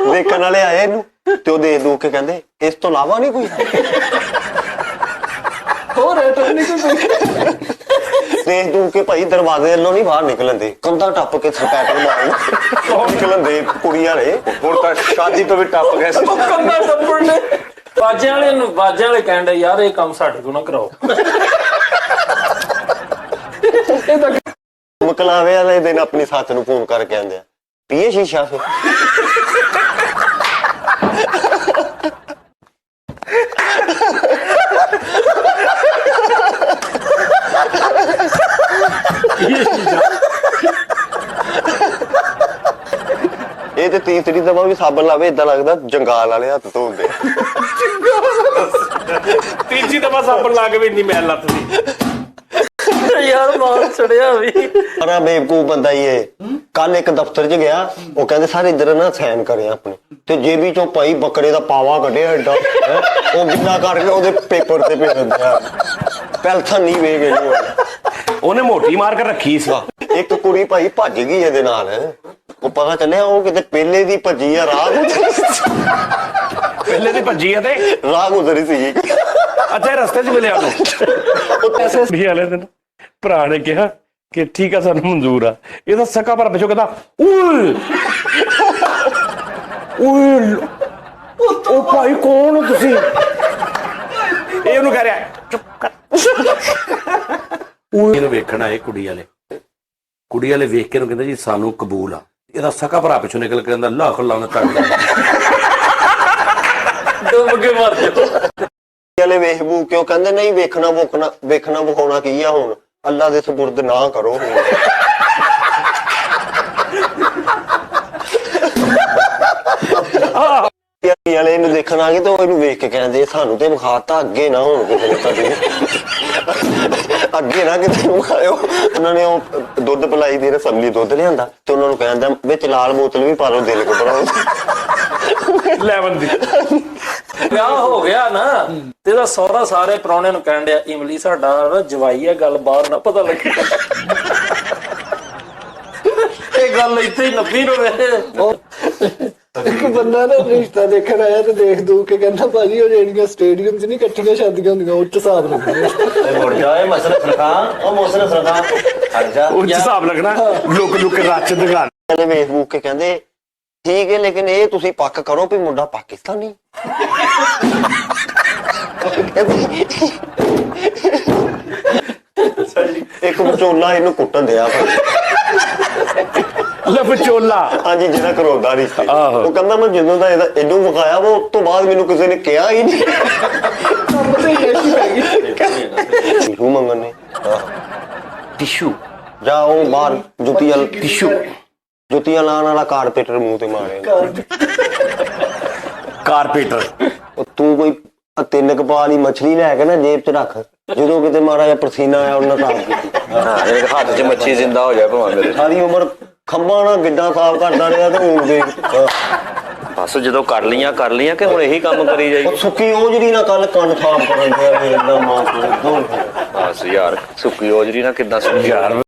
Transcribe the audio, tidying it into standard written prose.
ਦੇਖਣ ਵਾਲੇ ਆਏ ਇਹਨੂੰ ਤੇ ਉਹ ਦੇਖ ਦੂਖ ਕੇ ਕਹਿੰਦੇ ਇਸ ਤੋਂ ਇਲਾਵਾ ਨਹੀਂ ਕੋਈ ਹੋਰ ਨਹੀਂ ਕੋਈ ਦੇਖ ਦੂਖ ਕੇ ਭਾਈ ਦਰਵਾਜ਼ੇ ਵੱਲੋਂ ਨਹੀਂ ਬਾਹਰ ਨਿਕਲਣ ਦੇ, ਕੰਧਾਂ ਟੱਪ ਕੇ ਸਰਪੈਟਰ ਮਾਰਨ ਨਿਕਲਣ ਦੇ ਕੁੜੀ ਵਾਲੇ। ਹੁਣ ਤਾਂ ਸ਼ਾਦੀ ਤੋਂ ਵੀ ਟੱਪ ਗਏ ਸੀ ਕੰਧਾਂ ਟੱਪਣ ਨੇ। ਬਾਜੇ ਵਾਲੇ ਕਹਿੰਦੇ ਯਾਰ ਇਹ ਕੰਮ ਸਾਡੇ ਕੋਲ ਨਾ ਕਰਾਓ। ਇਹ ਤਾਂ ਮਕਲਾਵੇ ਵਾਲੇ ਦਿਨ ਆਪਣੀ ਸੱਸ ਨੂੰ ਫੋਨ ਕਰਕੇ ਕਹਿੰਦੇ ਆ ਪੀਏ ਸ਼ੀਸ਼ਾ ਫਿਰ ਇਹ ਤੇ ਤੀਸਰੀ ਦਫਾ ਵੀ ਸਾਬਣ ਲਾਵੇ ਏਦਾਂ ਲੱਗਦਾ ਜੰਗਾਲ ਵਾਲੇ ਹੱਥ ਧੋਂਦੇ। ਤੀਜੀ ਦਫਾ ਸਾਬਣ ਲਾ ਕੇ ਵੀ ਇੰਨੀ ਮੈਲ ਲੱਥਦੀ ਯਾਰ ਮਾਰ ਛੜਿਆ ਵੀ। ਸਾਰਾ ਬੇਵਕੂਫ ਬੰਦਾ ਹੀ ਇਹ। ਕੱਲ ਇੱਕ ਦਫ਼ਤਰ 'ਚ ਗਿਆ, ਉਹ ਕਹਿੰਦੇ ਸਾਰੇ ਇੱਧਰ ਨਾ ਸਾਈਨ ਕਰੇ ਆਪਣੇ, ਤੇ ਜੇਬੀ ਚੋਂ ਭਾਈ ਬੱਕਰੇ ਦਾ ਪਾਵਾ ਕੱਢਿਆ ਏਡਾ, ਉਹ ਗਿੱਲਾ ਕਰਕੇ ਉਹਦੇ ਪੇਪਰ ਤੇ ਭੇਜ ਦਿੰਦੇ ਆ। ਪੈਲਥਨ ਨਹੀਂ ਵੇਖ ਗਏ ਉਹਨੇ ਮੋਟੀ ਮਾਰ ਕੇ ਰੱਖੀ ਸੀ। ਇੱਕ ਕੁੜੀ ਭਾਈ ਭੱਜ ਗਈ ਇਹਦੇ ਨਾਲ, ਉਹ ਪਤਾ ਚੱਲਿਆ ਉਹ ਕਿਤੇ ਪਹਿਲੇ ਦੀ ਭੱਜੀ ਆ, ਪਹਿਲੇ ਦੀ ਭੱਜੀ ਆ ਤੇ ਰਾਹ ਗੁਜ਼ਰੀ ਸੀ। ਅੱਛਾ ਰਸਤੇ 'ਚ ਮਿਲਿਆ ਉਹਨੂੰ ਵਾਲੇ ਦਿਨ ਭਰਾ ਨੇ ਕਿਹਾ ਕਿ ਠੀਕ ਆ ਸਾਨੂੰ ਮਨਜ਼ੂਰ ਆ। ਇਹਦਾ ਸਕਾ ਭਰਾ ਪਿੱਛੋਂ ਕਹਿੰਦਾ ਓਏ ਓਏ ਉਹ ਭਾਈ ਕੌਣ ਹੋ ਤੁਸੀਂ? ਇਹ ਉਹਨੂੰ ਕਹਿ ਰਿਹਾ ਚੁੱਪ ਕਰ। ਇਹਨੂੰ ਵੇਖਣ ਆਏ ਕੁੜੀ ਵਾਲੇ ਵੇਖ ਕੇ ਇਹਨੂੰ ਕਹਿੰਦਾ ਜੀ ਸਾਨੂੰ ਕਬੂਲ ਆ। ਇਹਦਾ ਸਕਾ ਭਰਾ ਪਿੱਛੋਂ ਨਿਕਲ ਕੇ ਕਹਿੰਦਾ ਲੱਖ ਲਾਉਣਾ ਤੱਕ ਡੁੱਬ ਕੇ ਮਰ ਜਾਓ। ਵਾਲੇ ਵੇਖ ਬੂ ਕਿਉਂ ਕਹਿੰਦੇ ਨਹੀਂ ਵੇਖਣਾ ਵਿਖਾਉਣਾ ਕੀ ਆ, ਹੁਣ ਅੱਲਾ ਦੇ ਸਪੁਰਦ ਨਾ ਕਰੋ। ਵਾਲੇ ਇਹਨੂੰ ਦੇਖਣ ਆ ਗਏ ਤੇ ਉਹ ਇਹਨੂੰ ਵੇਖ ਕੇ ਕਹਿੰਦੇ ਸਾਨੂੰ ਤੇ ਵਿਖਾਤਾ, ਅੱਗੇ ਨਾ ਹੁਣ ਕਿਸੇ ਨੇ ਅੱਗੇ ਨਾ ਕਿਤੇ ਵਿਖਾਇਓ। ਉਹਨਾਂ ਨੇ ਉਹ ਦੁੱਧ ਪਿਲਾਈ ਦੀ ਰਸਮਲੀ ਦੁੱਧ ਲਿਆਂਦਾ ਤੇ ਉਹਨਾਂ ਨੂੰ ਕਹਿੰਦਾ ਵਿੱਚ ਲਾਲ ਬੋਤਲ ਵੀ ਪਾ ਲਓ ਦਿਲ ਕੋ ਬਣਾਓ ਲੈਵਨ ਦੀ। ਵਿਆਹ ਹੋ ਗਿਆ ਨਾ ਤੇ ਇਹਦਾ ਸਹੁਰਾ ਸਾਰੇ ਪ੍ਰਾਹੁਣਿਆਂ ਨੂੰ ਕਹਿਣ ਡਿਆ ਇਮਲੀ ਸਾਡਾ ਜਵਾਈ ਹੈ, ਗੱਲ ਬਾਹਰ ਨਾ ਪਤਾ ਲੱਗੇ। ਇਹ ਗੱਲ ਇੱਥੇ ਹੀ ਨੱਪੀ ਰਵੇ। ਇੱਕ ਬੰਦਾ ਨਾ ਰਿਸ਼ਤਾ ਦੇਖਣ ਆਇਆ ਤੇ ਦੇਖ ਦੂ ਕੇ ਕਹਿੰਦਾ ਭਾਜੀ ਉਹ ਜਿਹੜੀਆਂ ਸਟੇਡੀਅਮ 'ਚ ਨਹੀਂ ਇਕੱਠੀਆਂ ਸ਼ਾਦੀਆਂ ਹੁੰਦੀਆਂ ਉੱਚ ਹਿਸਾਬ ਲੱਗਦੇ। ਮੁੜ ਜਾਏ ਮਸਲਾ ਸਰਕਾਰ ਉਹ ਮਸਲਾ ਸਰਕਾਰ ਹਟ ਜਾ ਉਹ ਹਿਸਾਬ ਲੱਗਣਾ ਲੁਕ ਕੇ ਰੱਚ ਦਿਖਾ। ਵੇਖ ਬੂਕ ਕੇ ਕਹਿੰਦੇ ਠੀਕ ਹੈ ਲੇਕਿਨ ਇਹ ਤੁਸੀਂ ਪੱਕ ਕਰੋ ਵੀ ਮੁੰਡਾ ਪਾਕਿਸਤਾਨੀ। ਇੱਕ ਵਿਚੋਲਾ ਇਹਨੂੰ ਕੁੱਟਣ ਦਿਆ ਵਿਚੋਲਾ, ਹਾਂਜੀ ਜਿਹੜਾ ਕਰੋਦਾ ਨਹੀਂ ਸੀ। ਆਹੋ। ਉਹ ਕਹਿੰਦਾ ਮੈਂ ਜਦੋਂ ਦਾ ਇਹਨੂੰ ਵਿਖਾਇਆ ਵਾ ਉਸ ਤੋਂ ਬਾਅਦ ਮੈਨੂੰ ਕਿਸੇ ਨੇ ਕਿਹਾ ਹੀ ਨਹੀਂ। ਟਿਸ਼ੂ ਮੰਗਣ ਨੇ ਟਿਸ਼ੂ ਜਾ ਉਹ ਬਾਹਰ ਜੁੱਤੀਆਂ ਲਾਉਣ ਵਾਲਾ ਕਾਰਪੇਟਰ ਮੂੰਹ ਤੇ ਮਾਰੇ। ਕਾਰਪੇਟਰ ਤੂੰ ਕੋਈ 3 ਕਪਾਹ ਵਾਲੀ ਮੱਛਲੀ ਲੈ ਕੇ ਨਾ ਜੇਬ 'ਚ ਰੱਖ, ਜਦੋਂ ਕਿਤੇ ਮਾੜਾ ਜਿਹਾ ਪਸੀਨਾ ਆਇਆ ਉਹਨਾਂ ਸਾਫ਼ ਕੀਤੀ। ਹੱਥ 'ਚ ਮੱਛੀ ਜ਼ਿੰਦਾ ਹੋ ਜਾਏ ਭਾਵੇਂ ਮੇਰੇ। ਸਾਰੀ ਉਮਰ ਖੰਭਾਂ ਨਾਲ ਗਿੱਡਾ ਸਾਫ਼ ਕਰਦਾ ਰਿਹਾ ਤੇ ਹੁਣ ਦੇ ਬਸ ਜਦੋਂ ਕਰ ਲੀਆਂ ਕਿ ਹੁਣ ਇਹੀ ਕੰਮ ਕਰੀ ਜਾਈ। ਉਹ ਸੁੱਕੀ ਓਜਰੀ ਨਾਲ ਕੱਲ ਕੰਨ ਸਾਫ਼ ਕਰਨ ਦਿਆ ਏਦਾਂ ਮਾਂ ਕੋਲ ਬਸ ਯਾਰ ਸੁੱਕੀ ਓਜਰੀ ਨਾਲ ਕਿੱਦਾਂ ਯਾਰ